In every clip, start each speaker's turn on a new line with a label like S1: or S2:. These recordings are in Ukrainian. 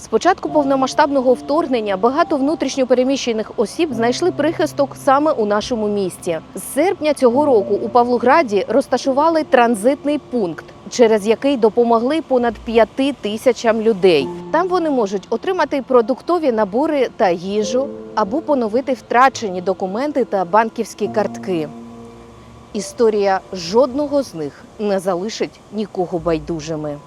S1: З початку повномасштабного вторгнення багато внутрішньо переміщених осіб знайшли прихисток саме у нашому місті. З серпня цього року у Павлограді розташували транзитний пункт, через який допомогли понад 5 тисячам людей. Там вони можуть отримати продуктові набори та їжу або поновити втрачені документи та банківські картки. Історія жодного з них не залишить нікого байдужими.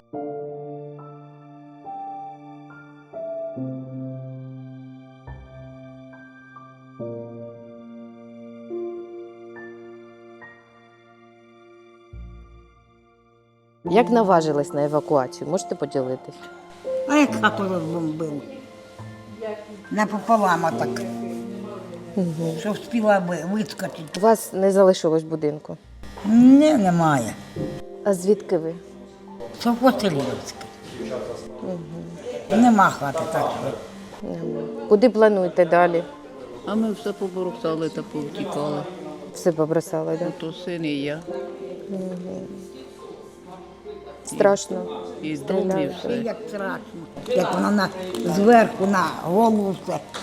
S1: Як наважились на евакуацію? Можете поділитись?
S2: А як хату розбомбив? Напополам так. Щоб встигла вискочити.
S1: У вас не залишилось будинку.
S2: Ні, немає.
S1: А звідки ви?
S2: Совхозселівське. Нема хати так.
S1: Куди плануєте далі?
S3: А ми все поборохтали та повтікали.
S1: Все побросали, так?
S3: То син і я.
S1: Страшно.
S3: І з дому, і
S2: І
S3: все.
S2: як страшно. Як вона зверху на голову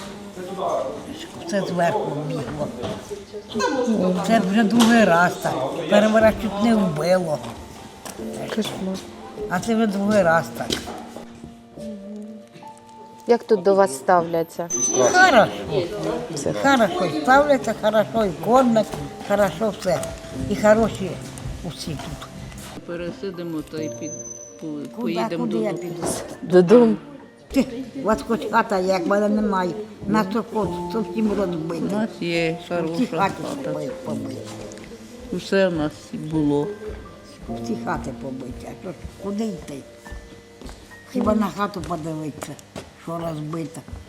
S2: все зверху бігло. Це вже другий раз так. Перший раз чуть не вбило.
S1: Кошмар.
S2: А це вже другий раз так.
S1: Як тут до вас ставляться?
S2: Хорошо. Хорошо ставляться, хорошо і кормять, хорошо все. І хороші усі тут.
S3: Пересидимо та й поїдемо
S2: Куди я
S3: додому.
S2: піду?
S1: Додому.
S2: У вас хоч хата, як мене немає. На совхоз зовсім
S3: У
S2: розбити.
S3: нас є
S2: Всі
S3: хороша
S2: хати
S3: хата.
S2: побиті.
S3: Усе в нас було.
S2: Всі хати побиті. А що ж, куди йти? Хіба на хату подивитися, що розбита.